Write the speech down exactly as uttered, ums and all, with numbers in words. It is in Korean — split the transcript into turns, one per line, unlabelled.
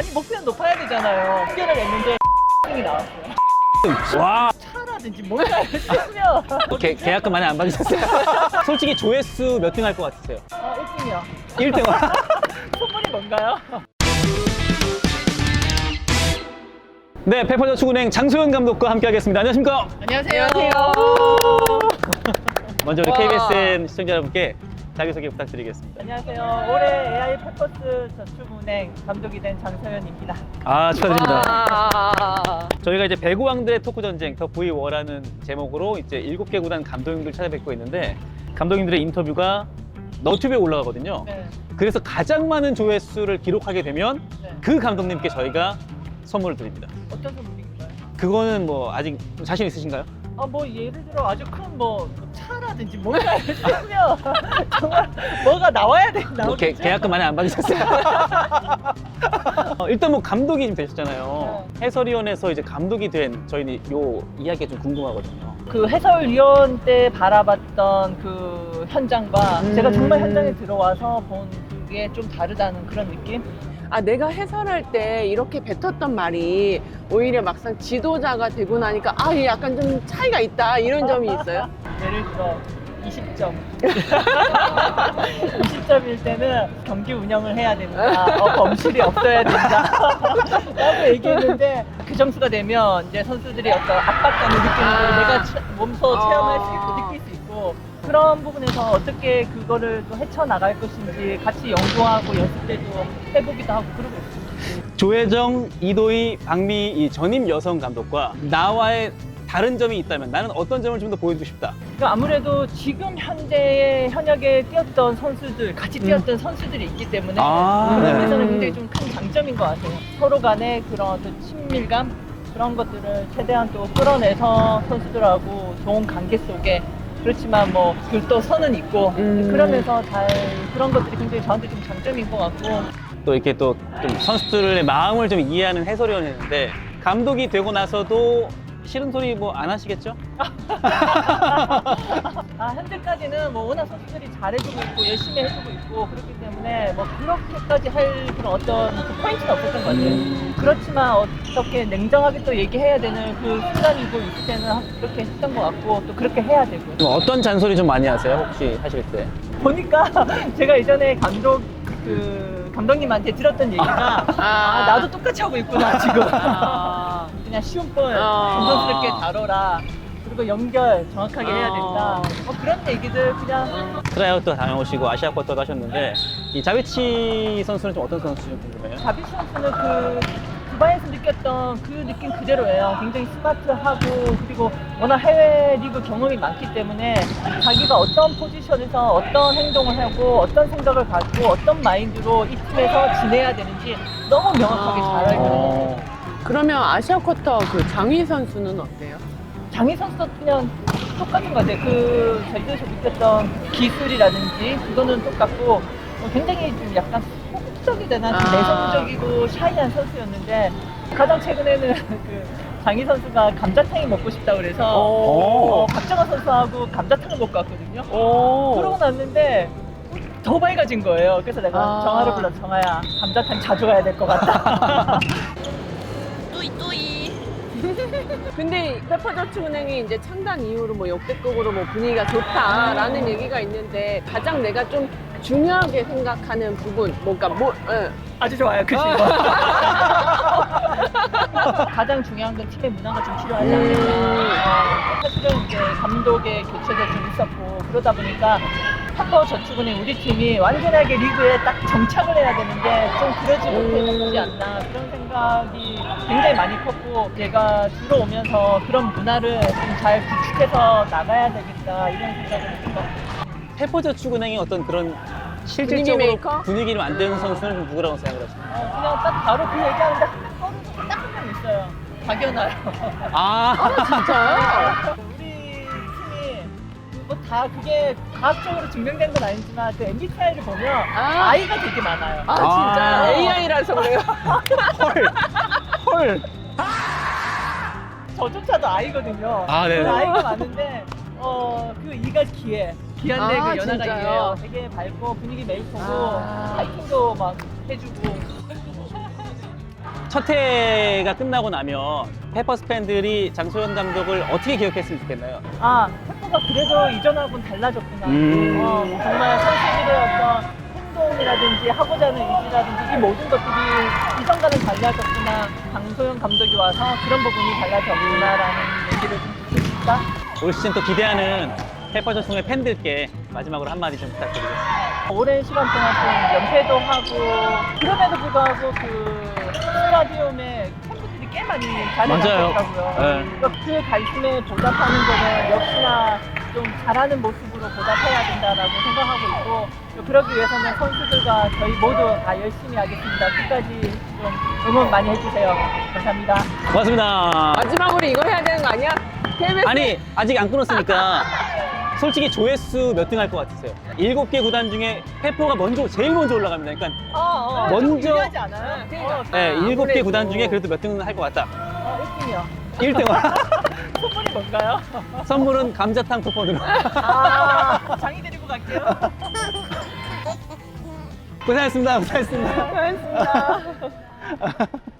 아니 목표는 높아야 되잖아요. 훈련을 냈는데 이 나왔어요.
와,
차라든지 뭔가 했으면
개, 계약금 많이 안 받으셨어요? 솔직히 조회수 몇 등 할 것 같으세요?
어, 일 등이요.
일 등.
소문이 뭔가요?
네, 페퍼저축은행 장소연 감독과 함께 하겠습니다. 안녕하십니까?
안녕하세요.
먼저 우리
와.
케이비에스엔 시청자 여러분께 자기소개 부탁드리겠습니다.
안녕하세요. 올해 에이아이 페퍼스 저축은행 감독이 된 장서연입니다.
아, 축하드립니다.
아,
저희가 이제 배구왕들의 토크 전쟁 더 브이워라는 제목으로 이제 일곱 개 구단 감독님들 찾아뵙고 있는데 감독님들의 인터뷰가 너튜브에 올라가거든요.
네.
그래서 가장 많은 조회수를 기록하게 되면
네.
그 감독님께 저희가 선물을 드립니다.
어떤 선물인가요?
그거는 뭐 아직 자신 있으신가요?
아, 뭐 예를 들어 아주 큰 뭐 차라든지 뭔가 했으면 정말 뭐가 나와야 돼.
뭐
나오겠죠?
개, 계약금 많이 안 받으셨어요? 어, 일단 뭐 감독이 좀 되셨잖아요. 해설위원에서 이제 감독이 된 저희는 요 이야기가 좀 궁금하거든요.
그 해설위원 때 바라봤던 그 현장과
음.
제가 정말 현장에 들어와서 본 그게 좀 다르다는 그런 느낌?
아, 내가 해설할 때 이렇게 뱉었던 말이 오히려 막상 지도자가 되고 나니까 아, 이게 약간 좀 차이가 있다 이런 점이 있어요?
예를 들어 이십 점. 이십 점일 때는 경기 운영을 해야 된다. 어, 범실이 없어야 된다. 라고 얘기했는데 그 점수가 되면 이제 선수들이 어떤 압박감을 느끼는 걸
아.
내가 체- 몸소
아.
체험할 수 있고 느낄 수 있고 그런 부분에서 어떻게 그거를 또 헤쳐나갈 것인지 같이 연구하고 연습 때도 해보기도 하고 그러고 있습니다.
조혜정, 이도희, 박미 이 전임 여성 감독과 나와의 다른 점이 있다면 나는 어떤 점을 좀 더 보여주고 싶다.
그러니까 아무래도 지금 현대의 현역에 뛰었던 선수들, 같이 뛰었던 선수들이 있기 때문에
아,
그런
네.
면에서는 굉장히 좀 큰 장점인 것 같아요. 서로 간의 그런 어떤 친밀감 그런 것들을 최대한 또 끌어내서 선수들하고 좋은 관계 속에 그렇지만 뭐 또 선은 있고
음.
그러면서 잘 그런 것들이 굉장히 저한테 좀 장점인 것 같고
또 이렇게 또 좀 선수들의 마음을 좀 이해하는 해설위원이었는데 감독이 되고 나서도 싫은 소리 뭐 안 하시겠죠?
아, 현재까지는 뭐 워낙 선수들이 잘해주고 있고 열심히 해주고 있고 그렇기 때문에 뭐 그렇게까지 할 그런 어떤 그 포인트는 없었던 것 같아요. 그렇지만 어떻게 냉정하게 또 얘기해야 되는 그 순간이고 있을 때는 그렇게 했던 것 같고 또 그렇게 해야 되고요.
좀 어떤 잔소리 좀 많이 하세요? 혹시 하실 때?
보니까 제가 예전에 감독 그 감독님한테 들었던 얘기가 아, 나도 똑같이 하고 있구나 지금.
아.
그냥 쉬운 볼
아.
정성스럽게 다뤄라. 그리고 연결 정확하게 해야 된다.
아.
뭐 그런 얘기들 그냥
트라이아웃도 다녀오시고 아시아 쿼터도 하셨는데 이 자비치 선수는 좀 어떤 선수인지 좀 궁금해요.
자비치 선수는 그 두바이에서 느꼈던 그 느낌 그대로예요. 굉장히 스마트하고 그리고 워낙 해외 리그 경험이 많기 때문에 자기가 어떤 포지션에서 어떤 행동을 하고 어떤 생각을 갖고 어떤 마인드로 이 팀에서 지내야 되는지 너무 명확하게 잘 알고 있는 것 같아요.
그러면 아시아 쿼터 그 장희 선수는 어때요?
장희 선수도 그냥 똑같은 것 같아요. 그 제주에서 느꼈던 기술이라든지 그거는 똑같고 어, 굉장히 좀 약간 소극적이 되나 좀
아.
내성적이고 샤이한 선수였는데 가장 최근에는 그 장희 선수가 감자탕이 먹고 싶다고 그래서
오.
어, 박정환 선수하고 감자탕을 먹고 왔거든요.
오.
그러고 났는데 더 밝아진 거예요. 그래서 내가
아.
정아를 불러 정아야 감자탕 자주 가야 될 것 같다.
근데 페퍼저축은행이 이제 창단 이후로 뭐 역대급으로 뭐 분위기가 좋다라는 얘기가 있는데 가장 내가 좀 중요하게 생각하는 부분 뭔가 뭐 예.
아주 좋아요, 그 친구. 가장 중요한 건 팀의 문화가 좀 필요하지 않을까.
음.
어, 사실은 이제 감독의 교체도 좀 있었고 그러다 보니까 페퍼저축은행 우리 팀이 완전하게 리그에 딱 정착을 해야 되는데 좀 그러지 못했지 않나 그런 생각이 굉장히 많이 컸고 제가 들어오면서 그런 문화를 좀 잘 구축해서 나가야 되겠다 이런 생각을 했던 것 같아요.
페퍼저축은행의 어떤 그런
분위기
실질적으로
메이커?
분위기를 만드는 선수는 좀 누구라고 생각을 하십니까?
어, 그냥 딱 바로 그 얘기하는데 하루 딱 한 명 있어요. 박연아요.
아,
진짜요?
우리 팀이 뭐 다 그게 과학적으로 증명된 건 아니지만 그 엠비티아이를 보면
아.
아. 이가 되게 많아요.
아 진짜
아.
에이아이라서 그래요.
헐, 헐.
저조차도 아이거든요.
아, 네.
그 아이가 많은데 어, 그 이가 귀해. 귀한데
아,
그 연하가
진짜요?
이해요. 되게 밝고 분위기 메이커고
아.
파이팅도 막 해주고
첫 회가 끝나고 나면 페퍼스 팬들이 장소영 감독을 어떻게 기억했으면 좋겠나요?
아, 템포가 그래도 이전하고는 달라졌구나.
음.
어, 정말 선수들의 어떤 행동이라든지 하고자 하는 의지라든지 이 모든 것들이 이전과는 달라졌구나. 강소영 감독이 와서 그런 부분이 달라졌구나라는 얘기를 좀 듣고 싶다.
올 시즌 또 기대하는 페퍼저축은행 팬들께 마지막으로 한마디 좀 부탁드리겠습니다.
오랜 시간 동안 좀 연패도 하고 그럼에도 불구하고 그 스타디움에 팬분들이 꽤 많이
맞아요.
잘해주더라고요.
네.
그러니까 그 갈심에 보답하는 거는 역시나 좀 잘하는 모습으로 보답해야 된다라고 생각하고 있고 그러기 위해서는 선수들과 저희 모두 다 열심히 하겠습니다. 끝까지 좀 응원 많이 해주세요. 감사합니다.
고맙습니다.
마지막으로 이거 해야 되는 거 아니야? 케이비에스
아니, 아직 안 끊었으니까 솔직히 조회수 몇 등 할 것 같으세요? 일곱 개 구단 중에 페퍼가 먼저, 제일 먼저 올라갑니다. 그러니까
어, 어,
먼저-
좀 유리하지 않아요?
그러니까.
어,
네, 일곱 개
아무래도.
구단 중에 그래도 몇 등은 할 것 같다.
어, 일 등이요.
일 등.
소문이 뭔가요?
선물은 감자탕 쿠폰으로.
아, 장이 데리고 갈게요.
고생하셨습니다. 고생하셨습니다.
고맙습니다.